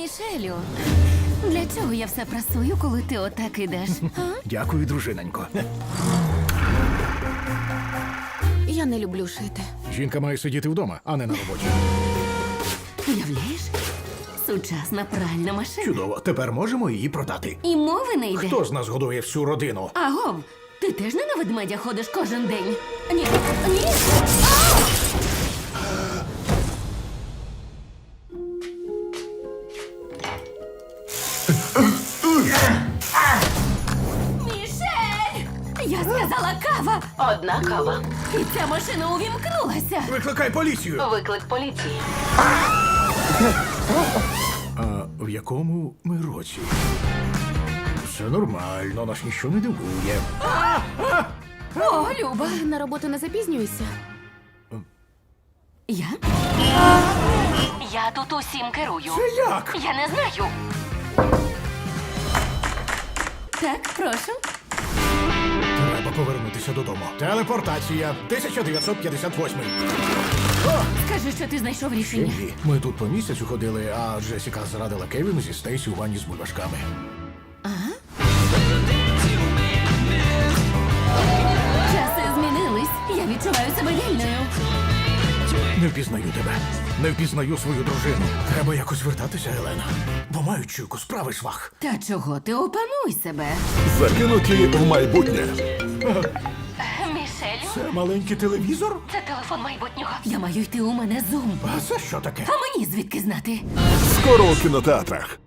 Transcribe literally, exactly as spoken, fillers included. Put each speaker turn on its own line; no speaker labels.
Мішелю, для чого я все прасую, коли ти отак ідеш? А?
Дякую, дружинонько.
Я не люблю шити.
Жінка має сидіти вдома, а не на роботі.
Уявляєш? Сучасна пральна машина.
Чудово, тепер можемо її продати.
І мови не йде.
Хто з нас годує всю родину?
Агов, ти теж не на ведмедя ходиш кожен день? Ні, ні. Мішель! Я сказала кава!
Одна кава.
І ця машина увімкнулася.
Викликай поліцію!
Виклик поліції.
А в якому ми році? Все нормально, нас ніщо не дивує.
О, Люба.
На роботу не запізнюйся.
Я?
Я тут усім керую.
Це як?
Я не знаю.
Так, прошу.
Треба повернутися додому. Телепортація тисяча дев'ятсот п'ятдесят восьмий.
Скажи, що ти знайшов рішення.
Ні, ми тут по місяцю ходили, а Джесіка зрадила Кевіну зі Стейсі у ванні з бульбашками.
Часи змінились. Я відчуваю себе вільною.
Не впізнаю тебе. Не впізнаю свою дружину. Треба якось вертатися, Елена. Бо маю чуйку, справи швах.
Та чого ти опануй себе?
Закинуті в майбутнє.
Мішелю,
Це маленький телевізор?
це телефон майбутнього.
Я маю йти, у мене зум.
А це що таке?
А мені звідки знати?
Скоро у кінотеатрах.